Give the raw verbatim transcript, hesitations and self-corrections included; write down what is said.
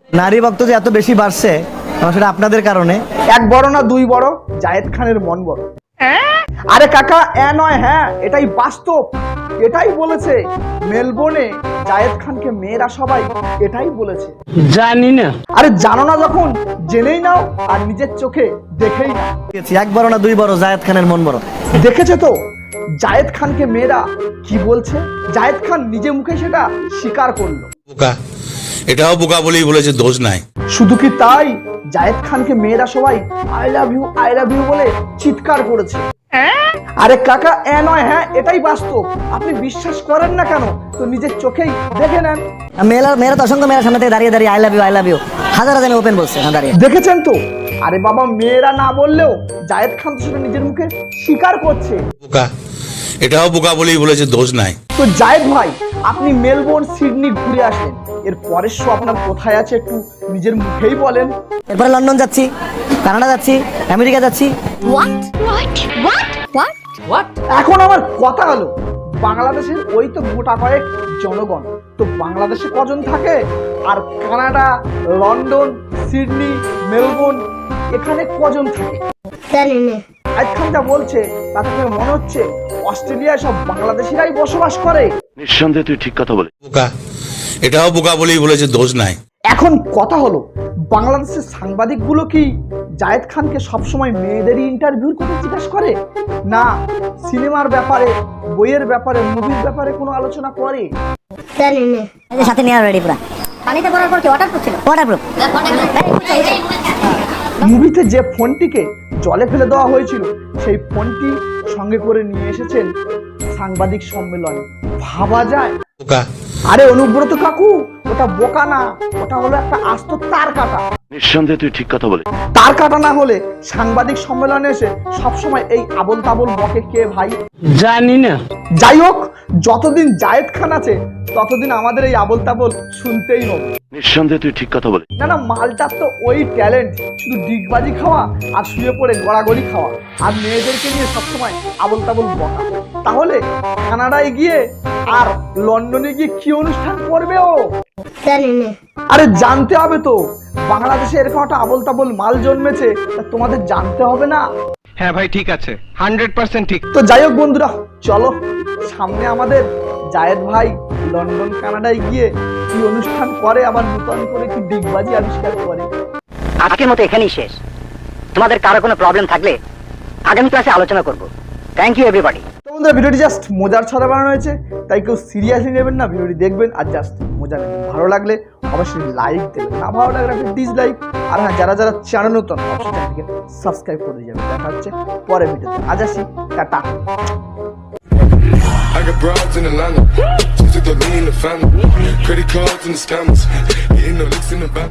নারী ভক্ত যে এত বেশি বাড়ছে সেটা আপনাদের কারণে। এক বড় না দুই বড়, জায়েদ খানের মন বড়। আরে কাকা এ নয় হ্যাঁ, এটাই বাস্তব, এটাই বলেছে মেলবোর্নে জায়েদ খানকে মেয়েরা সবাই এটাই বলেছে। জানি না। আরে জানো না যখন জেনেই নাও আর নিজের চোখে দেখেই নাও। এক বড় না দুই বড়, জায়েদ খানের মন বড়। দেখেছো তো জায়েদ খানকে মেয়েরা কি বলছে, জায়েদ খান নিজে মুখে সেটা স্বীকার করলো। বোকা, এটাও বোকা বলেই বলেছে, দোষ নাই। শুধু কি তাই, জায়েদ খানকে মেয়েরা সবাই I love you I love you বলে চিৎকার করেছে। আরে কাকা এ নয় হ্যাঁ, এটাই বাস্তব, আপনি বিশ্বাস করেন না কেন তো নিজের চোখেই দেখে নেন। মেয়েরা মেয়েরা তো অসংখ্য মেয়েরা সামনে থেকে দাঁড়িয়ে দাঁড়িয়ে I love you I love you হাজার হাজার ওপেন বলছে দাঁড়িয়ে, দেখেছেন তো। আরে বাবা মেয়েরা না বললেও জায়েদ খান তো সেটা নিজের মুখে স্বীকার করছে। বোকা, এটাও বোকা বলেই বলেছে, দোষ নাই। তো জায়েদ ভাই আপনি মেলবোর্ন সিডনি ঘুরে আসলেন, এর পরের শো আপনার কোথায় আছে একটু নিজের মুখেই বলেন। এরপরে লন্ডন যাচ্ছি, কানাডা যাচ্ছি, আমেরিকা যাচ্ছি। এখন আমার কথা হলো বাংলাদেশের ওই তো গোটা কয়েক জনগণ, তো বাংলাদেশে কজন থাকে আর কানাডা, লন্ডন, সিডনি, মেলবোর্ন এখানে কজন থাকে? জায়েদ খান যা বলছে তাতে করে মনে হচ্ছে অস্ট্রেলিয়ায় সব বাংলাদেশিরাই বসবাস করে। নিঃসন্দেহে তুই ঠিক কথা বলে। বোকা, এটাও বোকা বলেই বলেছে, দোষ নাই। এখন কথা হলো বাংলাদেশের সাংবাদিকগুলো কি জায়েদ খানকে সবসময় মেয়েদেরই ইন্টারভিউর কথা জিজ্ঞাসা করে, না সিনেমার ব্যাপারে, বইয়ের ব্যাপারে, মুভির ব্যাপারে কোনো আলোচনা করে? সাথে নেওয়া রেডি পুরা পানিতে পড়ার পর কি ওয়াটারপ্রুফ ছিল? ওয়াটারপ্রুফ। মুভিতে যে ফোনটিকে জলে ফেলে দেওয়া হয়েছিল সেই ফোনটি সঙ্গে করে নিয়ে এসেছেন সাংবাদিক সম্মেলনে, ভাবা যায়? বোকা, আরে অনুব্রত কাকু ওটা বোকা না, ওটা হলো একটা আস্ত তার কাটা। নিঃসন্দেহে তুই ঠিক কথা বলে। তার কাটা না হলে সাংবাদিক সম্মেলনে এসে সবসময় এই আবল তাবল বকে কে ভাই? জানি না। যাই হোক, যতদিন জায়েদ খান আছে ততদিন আমাদের এই আবল তাবল শুনতেই হবে। নিঃসন্দেহে তুই ঠিক কথা বলে। না না, মালটার তো ওই ট্যালেন্ট, শুধু ডিগবাজি খাওয়া আর শুয়ে পড়ে গড়াগড়ি খাওয়া আর মেয়েদেরকে নিয়ে সবসময় আবল তাবল বকা। তাহলে কানাডায় গিয়ে আর লন্ডনে গিয়ে কি অনুষ্ঠান করবে ও? আরে জানতে হবে তো, বাংলাদেশে এরকম একটা আবল তাবল মাল জন্মেছে, তা তোমাদের জানতে হবে না? হ্যাঁ ভাই ঠিক আছে, হান্ড্রেড পার্সেন্ট ঠিক। তো যাই হোক বন্ধুরা, চলো সামনে আমাদের জায়েদ ভাই লন্ডন কানাডায় গিয়ে কি অনুষ্ঠান করে, আবার নতুন করে কি ডিগবাজি আবিষ্কার করে। আজকের মতো এখানেই শেষ। তোমাদের কারো কোনো প্রবলেম থাকলে আগামী ক্লাসে আলোচনা করব। Thank you everybody. তো বন্ধুরা ভিডিওটি জাস্ট মজার ছড়া বানানো হয়েছে, তাই কেউ সিরিয়াসলি নেবেন না, ভিডিওটি দেখবেন আর জাস্ট মজা নেবেন। ভালো লাগলে অবশ্যই লাইক দেবেন, না ভালো লাগলে আপনি ডিসলাইক। আর হ্যাঁ, যারা যারা চ্যানেল নতুন অবশ্যই চ্যানেলটিকে সাবস্ক্রাইব করে যাবেন। দেখা হচ্ছে পরের ভিডিওতে, আজ আসি, tata. I got broads in Atlanta, just took the lean in the family, credit cards and the scammers, hitting the licks in the back.